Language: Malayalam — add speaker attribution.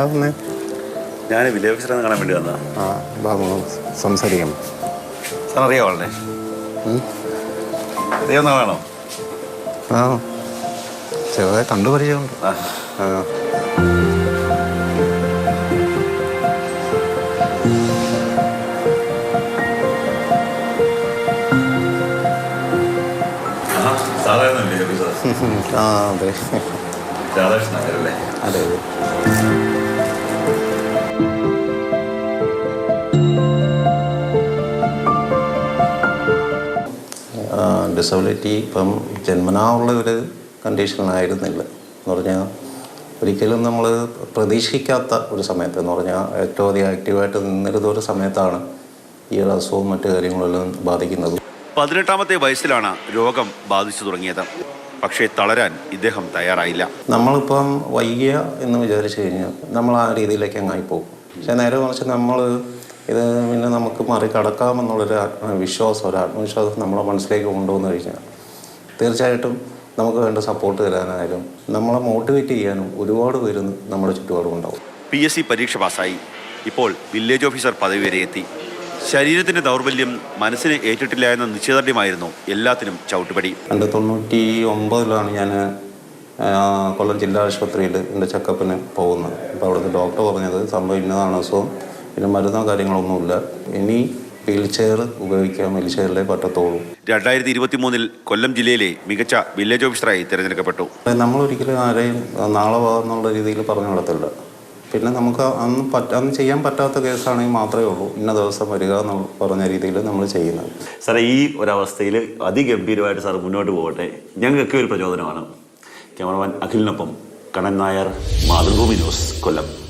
Speaker 1: എന്താ വന്നേ?
Speaker 2: ഞാൻ വില്ലേജ് ഓഫീസറെ കാണാൻ വേണ്ടി വന്നതാ.
Speaker 1: ആ ബാബു സംസാരിക്കാം.
Speaker 2: സാർ അറിയാമോ ആളെ? അറിയാവുന്ന ആളാണോ?
Speaker 1: ആ ചെറുതായി കണ്ടു പരിചയമുണ്ട്. ആ അതെ
Speaker 2: രാധാകൃഷ്ണൻ നായരല്ലേ?
Speaker 1: അതെ അതെ. ഡിസബിലിറ്റി ഇപ്പം ജന്മനാ ഉള്ള ഒരു കണ്ടീഷനായിരുന്നില്ല എന്ന് പറഞ്ഞാൽ ഒരിക്കലും നമ്മൾ പ്രതീക്ഷിക്കാത്ത ഒരു സമയത്ത് എന്ന് പറഞ്ഞാൽ ഏറ്റവും അധികം ആക്റ്റീവായിട്ട് നിന്നിരുന്ന ഒരു സമയത്താണ് ഈ ഒരു അസുഖവും മറ്റു കാര്യങ്ങളെല്ലാം ബാധിക്കുന്നത്.
Speaker 2: 18-ാമത്തെ വയസ്സിലാണ് രോഗം ബാധിച്ചു തുടങ്ങിയത്. പക്ഷേ തളരാൻ ഇദ്ദേഹം തയ്യാറായില്ല.
Speaker 1: നമ്മളിപ്പം വയ്യ എന്ന് വിചാരിച്ചു കഴിഞ്ഞാൽ നമ്മൾ ആ രീതിയിലേക്ക് അങ്ങായി പോകും. പക്ഷേ നേരെ മറിച്ച് നമ്മൾ ഇത് പിന്നെ നമുക്ക് മറികടക്കാമെന്നുള്ളൊരു വിശ്വാസം, ഒരു ആത്മവിശ്വാസം നമ്മളെ മനസ്സിലേക്ക് കൊണ്ടുവന്നു കഴിഞ്ഞാൽ തീർച്ചയായിട്ടും നമുക്ക് വേണ്ട സപ്പോർട്ട് തരാനായാലും നമ്മളെ മോട്ടിവേറ്റ് ചെയ്യാനും ഒരുപാട് പേര് നമ്മുടെ ചുറ്റുപാടും ഉണ്ടാവും.
Speaker 2: PSC പരീക്ഷ പാസ്സായി. ഇപ്പോൾ വില്ലേജ് ഓഫീസർ പദവി വരെ എത്തി. ശരീരത്തിൻ്റെ ദൗർബല്യം മനസ്സിനെ ഏറ്റിട്ടില്ല എന്ന നിശ്ചയദാർഢ്യമായിരുന്നു എല്ലാത്തിനും ചവിട്ടുപടി.
Speaker 1: 1999 ഞാൻ കൊല്ലം ജില്ലാ ആശുപത്രിയിൽ എൻ്റെ ചെക്കപ്പിന് പോകുന്നത്. അപ്പോൾ അവിടുത്തെ ഡോക്ടർ പറഞ്ഞത് സംഭവം ഇന്നതാണ് അസുഖം, പിന്നെ മരുന്നോ കാര്യങ്ങളൊന്നുമില്ല, ഇനി വീൽ ചെയർ ഉപയോഗിക്കാൻ, വീൽ ചെയറിലേ പറ്റത്തുള്ളൂ.
Speaker 2: 2023 കൊല്ലം ജില്ലയിലെ മികച്ച വില്ലേജ് ഓഫീസറായി തിരഞ്ഞെടുക്കപ്പെട്ടു.
Speaker 1: നമ്മളൊരിക്കലും ആരെയും നാളെ എന്നുള്ള രീതിയിൽ പറഞ്ഞു നടത്തില്ല. പിന്നെ നമുക്ക് അന്ന് ചെയ്യാൻ പറ്റാത്ത കേസാണെങ്കിൽ മാത്രമേ ഉള്ളൂ ഇന്ന ദിവസം വരിക എന്ന് പറഞ്ഞ രീതിയിൽ നമ്മൾ ചെയ്യുന്നത്.
Speaker 3: സാറേ, ഈ ഒരവസ്ഥയിൽ അതിഗംഭീരമായിട്ട് സാർ മുന്നോട്ട് പോകട്ടെ. ഞങ്ങൾക്കൊക്കെ ഒരു പ്രചോദനമാണ്. ക്യാമറമാൻ അഖിലിനൊപ്പം കണ്ണൻ നായർ, മാതൃഭൂമി ന്യൂസ്, കൊല്ലം.